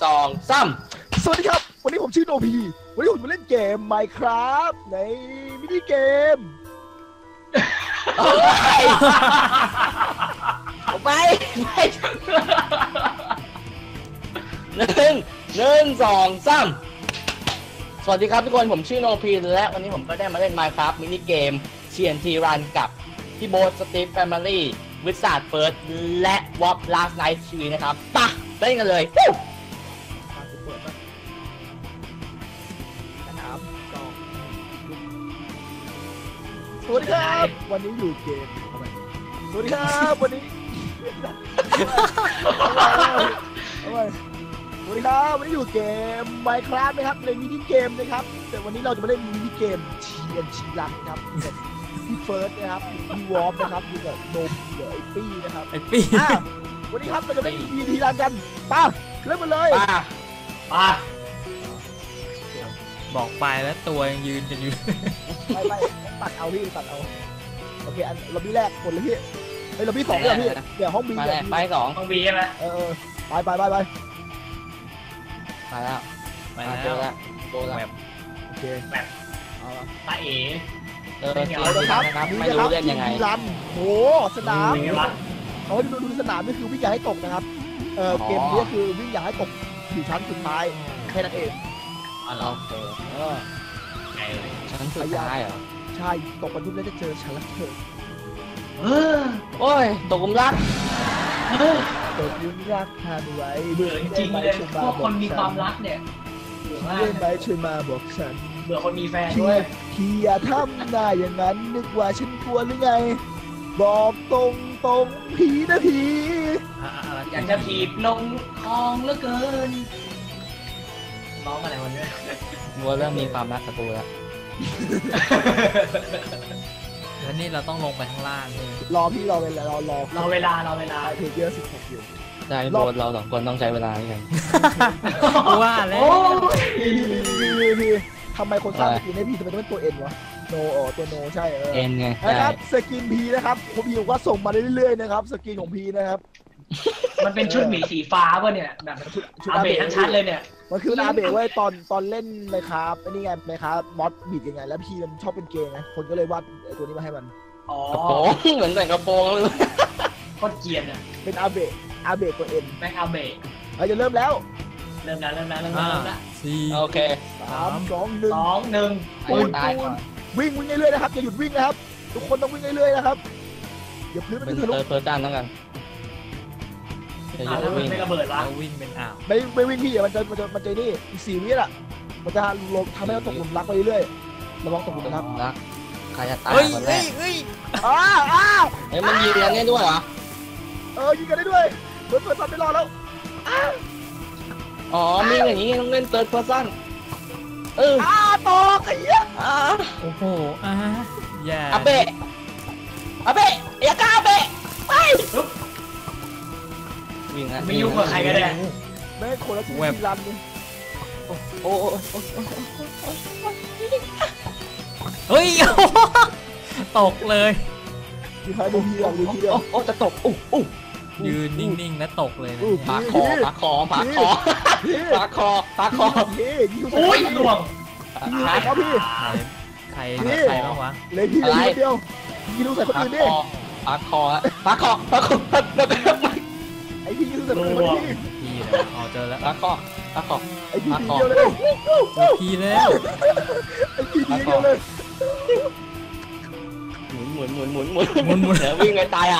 2 3 สวัสดีครับวันนี้ผมชื่อโนพีวันนี้ผมมาเล่นเกม Minecraft ในมินิเกมไปหนึ่งสองสามสวัสดีครับทุกคนผมชื่อโนพีและวันนี้ผมก็ได้มาเล่น Minecraft มินิเกม TNT Run กับพี่โบ๊ทสตีฟแฟมิลี่วิสาดเฟิร์สและวอปลาสไนท์ชีนะครับปะเล่นกันเลยสวัสดีครับวันนี้อยู่เกมสวัสดีครับวันนี้สวัสดีครับวันนี้อยู่เกม Minecraft นะครับในมินิเกมนะครับแต่วันนี้เราจะมาเล่นมินิเกม TNT Run ครับพี่เฟิร์สนะครับพี่วอปนะครับอยู่กับโนมเดี๋ยวไอปี้นะครับไอปี้วันนี้ครับเราจะเล่น TNT Run กันป่ะเริ่มกันเลยป่ะบอกไปแล้วตัวยังยืนกันอยู่ไม่ตัดเอาพี่ตัดเอาโอเคอันล็อบบี้แรกคนเลยพี่ไอ้ล็อบบี้สองเลยพี่เดี๋ยวห้องบีไปสองห้องบีใช่ไหมไปมาแล้วโดนแล้วโอเคแบบตาเอ๋ครับไม่รู้เล่นยังไงรันโหสนามเขาให้ดูสนามนี่คือวิ่งอย่าให้ตกนะครับเกมนี้คือวิ่งอย่าให้ตกอยู่ชั้นสุดท้ายแค่นั้นเองโอเคชั้นสุดท้ายเหรอใช่ตกบรรทุกแล้วจะเจอชั้นละเธอโอ้ยตกหลุมรักตกหลุมรักทานไว้เบื่อจริงเลยพวกคนมีความรักเนี่ยเบื่อมากเลยช่วยมาบอกฉันเบื่อคนมีแฟนด้วยพี่อย่าทำหน้าอย่างนั้นนึกว่าฉันกลัวหรือไงบอกตรงผีนะผีอยากจะถีบลงคลองเหลือเกินร้องอะไรวันนี้วัวเริ่มมีความรักกับกูแล้วแล้วนี่เราต้องลงไปข้างล่างเลยรอพี่รอเวลาเพจเยอะ16อยู่ได้โบสเราสองคนต้องใช้เวลาให้กันว่าแล้วพี่ทำไมคนสร้างสกินให้พี่ทำไมต้องเป็นตัวเอ็นวะโนตัวโนใช่เอ็นไงนะครับสกินพีนะครับผมพี่บอกว่าส่งมาเรื่อยๆนะครับสกินของพีนะครับมันเป็นชุดหมีสีฟ้าป่ะเนี่ยแบบชุดอาเบะทั้งชั้นเลยเนี่ยมันคืออาเบะไว้ตอนเล่นไมค์ครับไอ้นี่ไงไมค์ครับมอสบีดยังไงแล้วพี่มันชอบเป็นเกย์ไงคนก็เลยวาดตัวนี้มาให้มันกระโปรงเหมือนใส่กระโปรงเลยโคตรเกลียดอ่ะเป็นอาเบะตัวเอ็นแม็กอาเบะเราจะเริ่มแล้วโอเค 3 2 1วิ่งเรื่อยๆนะครับอย่าหยุดวิ่งนะครับทุกคนต้องวิ่งเรื่อยๆนะครับอย่าพื้นมันจะทะลุเปิดด้านแล้วกันไม่ระเบิดวะวิ่งเป็นอ่าวไม่วิ่งพี่มันจะนี่อีก4 วิอ่ะมันจะลงทำให้เราตกหลุมรักไปเรื่อยๆระวังตกหลุมรักใครจะตายคนแรกมันยิงกันได้ด้วยเหรอยิงกันได้ด้วยเปิดซันไม่รอแล้วอ๋อมีอย่างนี้ต้องเล่นเติร์ดเพอร์ซันต่อไอ้เหี้ยโอ้โหอย่าอาเบะอย่ากล้าเบะไปวิ่งนะไม่ยุ่งกับใครกันเลยแม่คนละทีรันเลยโอ้เฮ้ยตกเลยมีใครดูทีเดียวโอ้จะตกยืนนิ่งๆแล้วตกเลยนะปากคอโอ้ยหน่วงครับพี่ใครบ้างวะเลยพี่เดียวยิงลูกใส่คนอื่นดิปากคอไอพี่ยิงลูกใส่คนอื่นพี่เจอแล้วปากคอไอพี่เดียวเลยพี่แล้วไอพี่เดียวเลยหมุนแล้ววิ่งไปตาย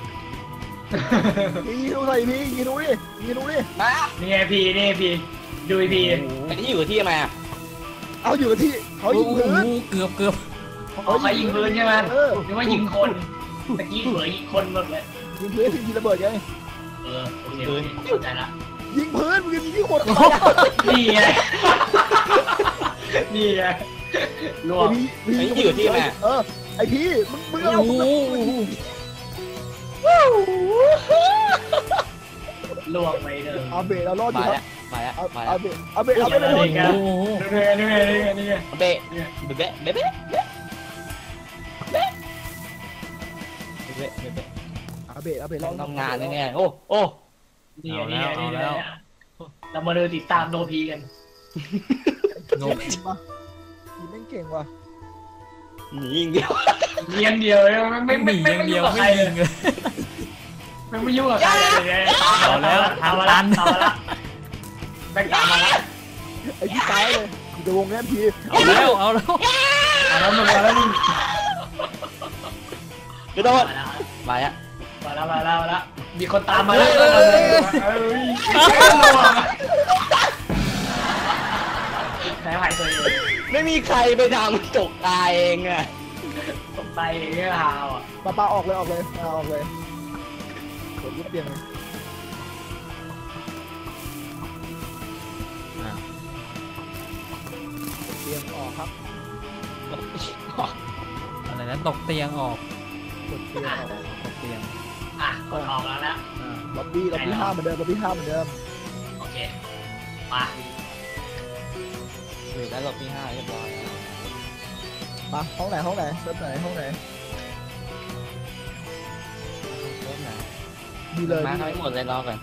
พี่ดูใส่พี่ยิงดูดิมานี่พี่ดูพี่ไอ้ที่อยู่ที่ทำไมเอาอยู่ที่เขายิงพื้นเกือบเขายิงพื้นใช่ไหมหรือว่ายิงคนเมื่อกี้เผยยิงคนหมดเลยยิงพื้นยิงระเบิดไงโอเคเข้าใจละยิงพื้นมึงยิงที่คนนี่ไงรวมไอ้ที่อยู่ที่ไหนไอพี่มึงเอาลวงไปเลยอาเบะเรารอดอยู่ครับมาแล้วอาเบะนี่เบะอาเบะเราทำงานยังไงโอ้นี่เรามาเดินติดตามโนพีกันโนเก่งปะทีแม่งเก่งว่ะหนีอย่างเดียวเรียงเดียวไม่หนีอย่างเดียวกับใครไม่เลยิยงเลยไม่ยุ่งกับใครเลยเอาแล้วทางตันเอาละแบ่งตามมาละไอ้พี่ตายเลยอยู่ในวงแง่พีเอาแล้วเอาแล้วเอาแล้วมึงเอาแล้วมึงกระโดดมาอ่ะมาแล้วมีคนตามมาแล้วแพ้หายตัวเองไม่มีใครไปทำตกตายเองอ่ะตกใจเงี้ยฮาวอ่ะปาออกเลยออกเลยออกเลยกดยุบเตียงเลยอ่ะเตียงออกครับอะไรนะตกเตียงออกกดเตียงออกตกเตียงอ่ะกดออกแล้วนะล็อบบี้ห้าเหมือนเดิมล็อบบี้ห้าเหมือนเดิมโอเคมาอยู่แล้วรอบที่5เรียบร้อยมาห้องไหนเซิร์ฟไหนห้องไหนเริ่มนะดีเลยมาให้หมดเลยรอก่อน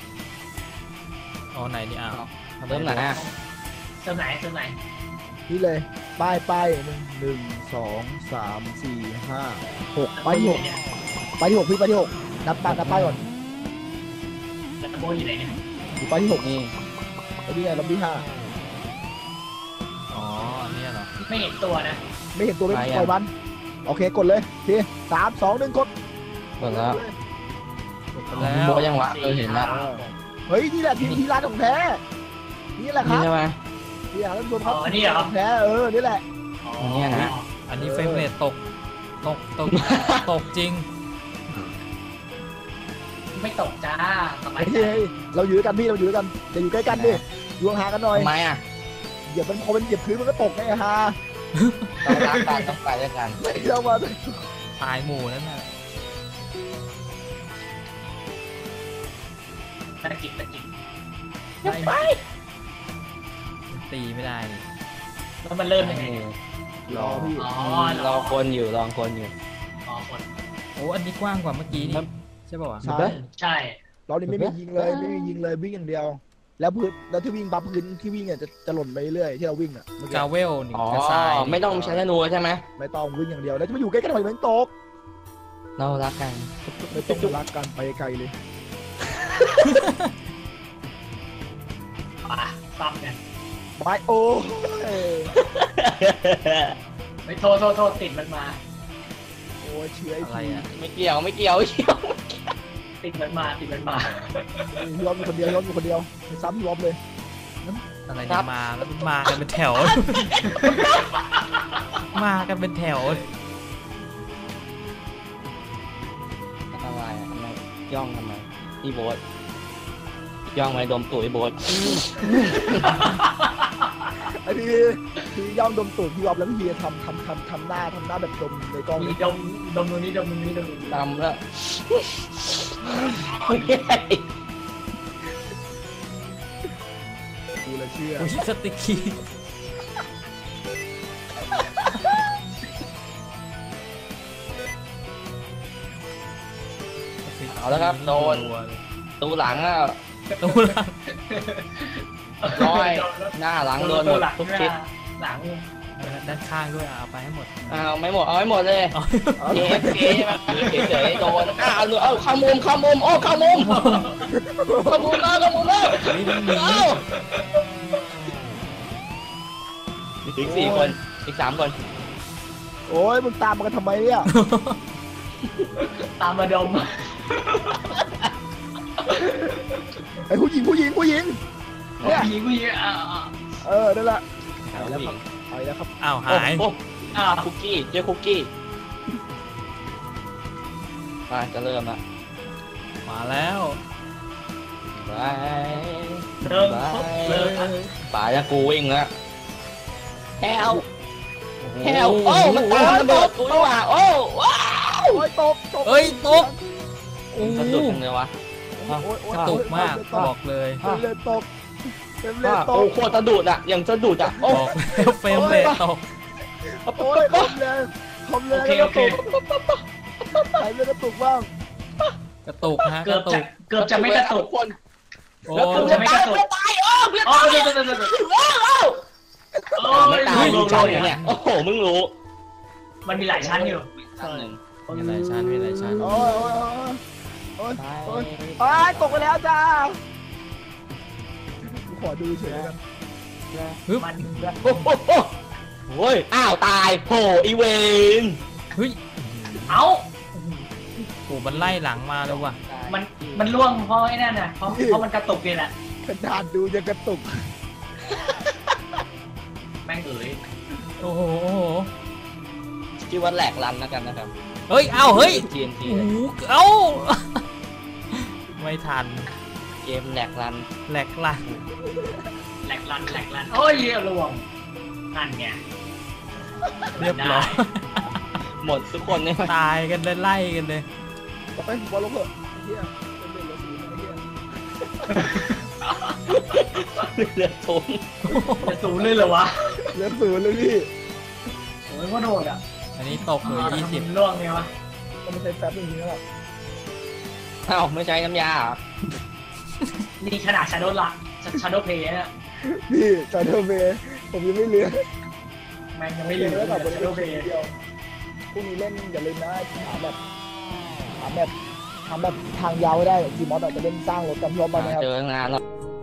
เอาไหนนี่อ้าวเริ่มไหนอ่ะเติมไหนนี่เลยป้ายหนึ่งสองสามสี่ห้าหกไปที่หกพี่ไปที่หกนับป้ายก่อนแล้วโบอยู่ไหนเนี่ยอยู่ป้ายที่หกนี่ไอ้นี่ไงล็อบบี้ห้าอ๋ออันเนี่ยเหรอไม่เห็นตัวนะไม่เห็นตัวไม่ปล่อยมันโอเคกดเลยที3 2 1กดหมดแล้วแล้วโบยังวะเห็นแล้วเฮ้ยนี่แหละทีร้านของแท้นี่แหละคนี่รับใช่ไหมที่ร้านรวมครับนี่เหรอของแท้นี่แหละเนี่ยนะอันนี้เฟรมเรทตกตกจริงไม่ตกจ้าสบายใจเฮ้ยเราอยู่ด้วยกันพี่เราอยู่ด้วยกันจะอยู่ใกล้กันดิอยู่ห่างกันหน่อยทำไมอ่ะเหยียบมันพอมันเหยียบพื้นมันก็ตกไงฮะต้องรักกันต้องไปด้วยกันไม่เอามาตายหมู่นั่นน่ะตะกิดไม่ตีไม่ได้นี่แล้วมันเริ่มยังไงรอพี่อ๋อรอคนอยู่รอคนอยู่อ๋อคนโอ้อันนี้กว้างกว่าเมื่อกี้นี่ใช่ป่าวะใช่ใช่เรานี่ไม่มียิงเลยไม่มียิงเลยวิ่งอย่างเดียว แล้วพื้นแล้วที่วิ่งปั๊บพื้นที่วิ่งเนี่ยจะหล่นไปเรื่อยที่เราวิ่งอ่ะเมื่อกี้กาเวลหนึ่งอ๋อกระสายไม่ต้องใช้ธนูใช่ไหมไม่ต้องวิ่งอย่างเดียวแล้วจะมาอยู่ใกล้กันหน่อยมันตกเรารักกันไม่ต้องรักกันไปไกลเลยป่ะซ้ำเนี่ยไปโอ้ยไม่โทษติดมันมาโอ้ยเชื้อไอ้อะไรทีอ่ะไม่เกี่ยวติดมันมายอมอยู่คนเดียวยอมอยู่คนเดียวไม่ซ้ำยอมเลยอะไรเนี่ยมาแล้วมากันเป็นแถว มากันเป็นแถวอะไรอ่ะทำไมย่องทำไมพี่โบ๊ทย่องไปดมตูดพี่โบ๊ทไอ้พี่ย่อมดมตูดพี่ยอมแล้วพี่ทำหน้าแบบดมในกล้องมีดมตรงนี้ตำแล้วกูเลยเชื่ออุ้ยสติกกี้เอาแล้วครับโดนตูหลังอ่ะตูหลังร้อยหน้าหลังโดนหมดทุกทิศหลังด้านข้างด้วยเอาไปให้หมดเอาไม่หมดเอาให้หมดเลยเอา AFK ใช่ไหมเฉยๆโดนเอาเข้ามุมโอ้เข้ามุมแล้วไม่ต้องหนีเอาอีก4 คนอีก3 คนโอ้ยมึงตามมากันทำไมเนี่ยตามมาดมไอ้ผู้หญิงผู้หญิงเนี่ย นั่นแหละผู้หญิงไปแล้วครับอ้าวหายโอ้คุกกี้เจอคุกกี้มาจะเริ่มละมาแล้วไปเริ่มเลยป่าจะกูวิ่งแล้วแฮวโอ้มันตามระเบิดกูนี่หว่าโอ้ว้าวโอ้ยตกเอ้ยตกโอ้สะดุดจังเลยวะกระตุกมากบอกเลยเต็มเลยตกเต็มเลยตโอ้กโคตรสะดุดอ่ะอย่างสะดุดอ่ะโอ้บอกแล้วเฟรมเรทตกโอ้ยคมเลยแล้วก็ตกใส่เลยกระตุกบ้างกระตุกฮะเกืกอบระตุจะกเกือบจะไม่กระตุกคนโอ้แล้วกูจะตายอ๋อเดี๋ยวโอ้ไม่ยตายลดูงช่องเนี่ยเนี่ยโอ้โหมึงรู้มันมีหลายชั้นอยู่ชั้นหนึ่งมีหลายชั้นมีหลายชั้นโอ้ยโอ้ยโอ้ยโอ้ยตกไปแล้วจ้าขอดูเฉยกันมันโอ้โหโอ้ยอ้าวตายโผอีเวนเฮ้ยเอ้าโหมันไล่หลังมาเลยว่ะมันล่วงเพราะไอ้นั่นน่ะเพราะมันกระตุกนี่แหละขนาดดูจะกระตุกแม่งเอ๋ยโอ้โหโอ้โหชื่อว่าแหลกรันแล้วกันนะครับเฮ้ย เอ้า เฮ้ย TNT โอ้โหเอ้า ไม่ทันเกมแหลกรันแหลกล่ะแหลกลันโอ้ยล่วงนั่นไงเรียบร้อยหมดทุกคนเนี่ยตายกันเลยไล่กันเลยไปบอลลงเถอะเฮียเป็นเด็กเหลือศูนย์ไอ้เฮียเหลือทุนจะสูงเลยเหรอวะเหลือศูนย์เลยพี่โอ้ยว่าโดดอ่ะอันนี้ตกเลย20 ล่วงไงวะก็ไม่ใช่แฟบอย่างนี้แล้วอ้าวไม่ใช้น้ำยาเหรอนี่ขนาดชาโดว์ละชาโดว์เพย์เนี่ยพี่จอร์เดอร์เบย์ผมยังไม่เลี้ยงแม่งยังไม่ลืมแล้วกับบริชาเวโดณว์เพย์เดียวพรุ่งนี้เล่นอย่าลืมนะถามแบบทางยาวได้ทีมอสอาจจะเล่นสร้างรถกันพร้อมกันนะครับเจอตั้งนานแล้ว